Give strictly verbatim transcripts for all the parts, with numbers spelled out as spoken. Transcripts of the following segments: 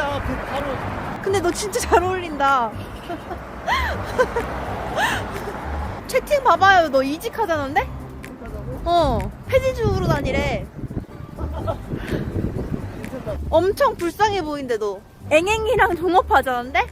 이거야 그 바로. 근데 너 진짜 잘 어울린다. 채팅 봐봐요. 너 이직하자는데? 어, 폐지주로 다니래. 엄청 불쌍해 보이는데 너. 앵앵이랑 종업하자는데?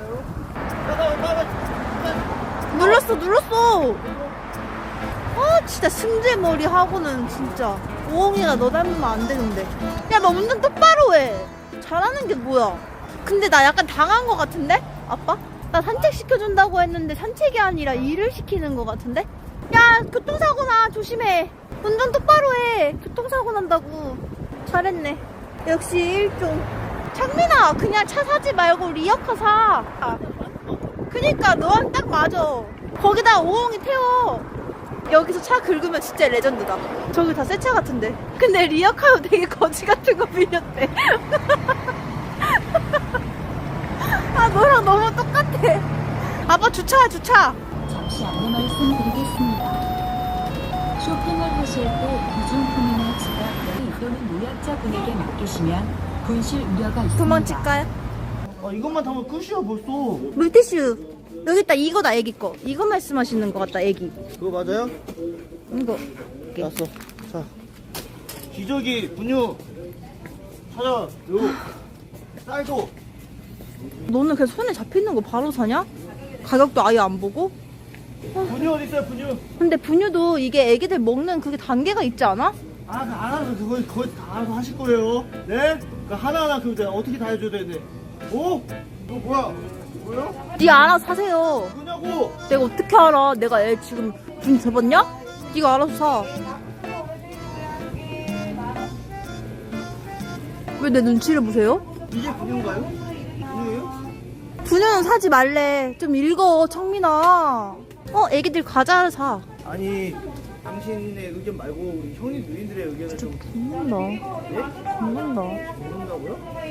눌렀어 눌렀어. 아 진짜 승재머리 하고는 진짜 오홍이가 너 닮으면 안 되는데. 야 너 운전 똑바로 해. 잘하는 게 뭐야. 근데 나 약간 당한 거 같은데? 아빠? 나 산책 시켜준다고 했는데 산책이 아니라 일을 시키는 거 같은데? 야 교통사고 나. 조심해. 운전 똑바로 해. 교통사고 난다고. 잘했네. 역시 일종. 창민아 그냥 차 사지 말고 리어카 사. 그니까 너한테 딱 맞아. 거기다 오홍이 태워. 여기서 차 긁으면 진짜 레전드다. 저기 다 새 차 같은데. 근데 리어카도 되게 거지 같은 거 빌렸대. 아 너랑 너무 똑같아. 아빠 주차야 주차. 잠시 안내 말씀드리겠습니다. 쇼핑을 하실 때 비중품이나 지갑 또는 노약자분에게 맡기시면 분실 우려가 있습니다. 도망칠까요? 아 이것만 타면 끝이야 벌써. 물티슈 여기 있다. 이거다 애기 거. 이거 말씀하시는 것 같다 애기. 그거 맞아요? 이거. 났어. 자 기저귀 분유 찾아. 요 쌀도. 너는 그냥 손에 잡히는 거 바로 사냐? 가격도 아예 안 보고? 분유 어디 있어요 분유? 근데 분유도 이게 애기들 먹는 그게 단계가 있지 않아? 아, 그 알아서 그거 거의 다 알아서 하실 거예요. 네? 그 하나하나 그 내가 어떻게 다 해줘야 되는데. 오? 이거 뭐야? 뭐요? 네 알아서 사세요. 뭐냐고? 내가 어떻게 알아? 내가 애 지금 분유 접었냐? 네가 알아서 사. 왜 내 눈치를 보세요? 이게 분유인가요? 분유예요? 분유는 사지 말래. 좀 읽어, 청민아. 어, 애기들 과자를 사. 아니 당신의 의견 말고 우리 형님 누님들의 의견을 좀 죽는다. 네? 죽는다. 모른다고요?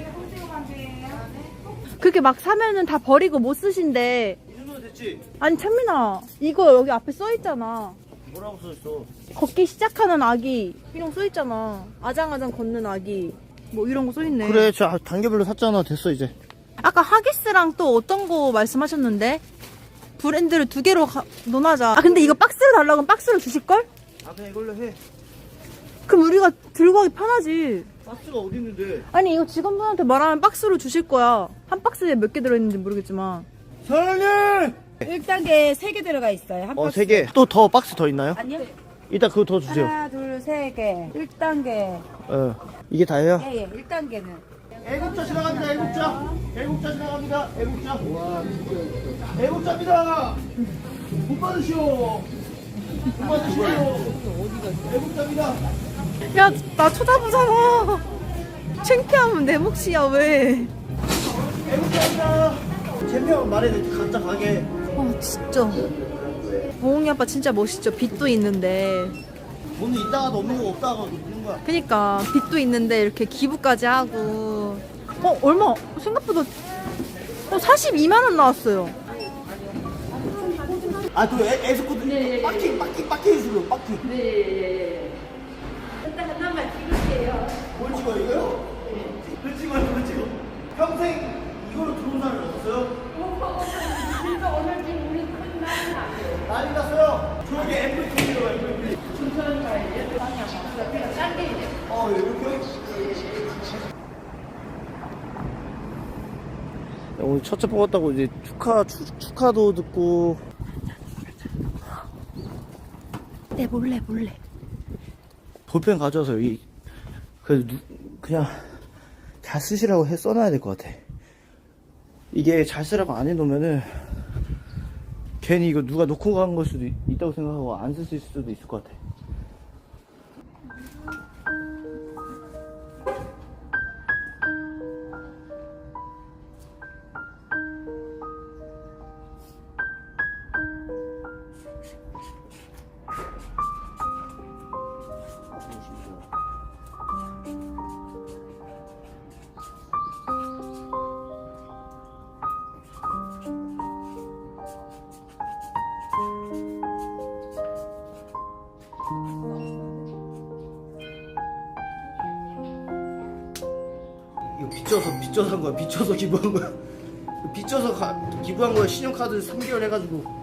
그렇게 막 사면은 다 버리고 못 쓰신대. 이 정도면 됐지? 아니, 청민아. 이거 여기 앞에 써있잖아. 뭐라고 써있어? 걷기 시작하는 아기. 이런 거 써있잖아. 아장아장 걷는 아기. 뭐 이런 거 써있네. 그래 저 단계별로 샀잖아. 됐어 이제. 아까 하기스랑 또 어떤 거 말씀하셨는데? 브랜드를 두 개로 가, 논하자. 아 근데 이거 박스로 달라고 하면 박스로 주실걸? 아 그냥 이걸로 해. 그럼 우리가 들고 가기 편하지. 박스가 어디 있는데? 아니 이거 직원분한테 말하면 박스로 주실 거야. 한 박스에 몇 개 들어있는지 모르겠지만. 사장님! 일 단계 세 개 들어가 있어요. 한 어 박스. 세 개. 또 더 박스 더 있나요? 아니요. 이따 그거 더 주세요. 하나, 둘, 세 개. 일 단계. 어 이게 다예요? 예, 예. 일 단계는. 애국자 지나갑니다. 애국자. 애국자 지나갑니다. 애국자. 와, 애국자입니다. 못 받으시오. 못 받으시오. 애국자입니다. 야 나 쳐다보잖아. 창피하면 내 몫이야 왜. 애국자입니다. 챔피언 말해 각자 가게. 아 진짜. 보홍이 아빠 진짜 멋있죠. 빚도 있는데. 돈은 있다가도 없는 거 없다가도 없는 거야. 그니까 빚도 있는데 이렇게 기부까지 하고. 어 얼마 생각보다 어 사십이만 원 나왔어요. 아그 에스코트 빠킹 빠킹 빠킹 해주세요. 빠킹. 네. 일단 하나만 찍을게요. 뭘 찍어 이거요? 네. 찍어요. 뭘 찍어? 평생 이거로 들어온 사람이 없어요? 진짜 오늘 지금 우리 큰 난리 났어요. 난리 났어요. 저기 엠브이피로 엠브이피. 춘천 가야지. 짠게 이제. 어 이렇게? 오늘 첫째 뽑았다고 이제 축하 축, 축하도 듣고. 네 몰래 몰래. 볼펜 가져와서 이 그 그냥 잘 쓰시라고 해 써놔야 될 것 같아. 이게 잘 쓰라고 안 해놓으면은 괜히 이거 누가 놓고 간 걸 수도 있, 있다고 생각하고 안 쓸 수도 있을 것 같아. 이거 이거는 빚져서 빚져서 한 거야. 빚져서 기부한 거야. 빚져서 가, 기부한 거야. 신용카드 삼 개월 해가지고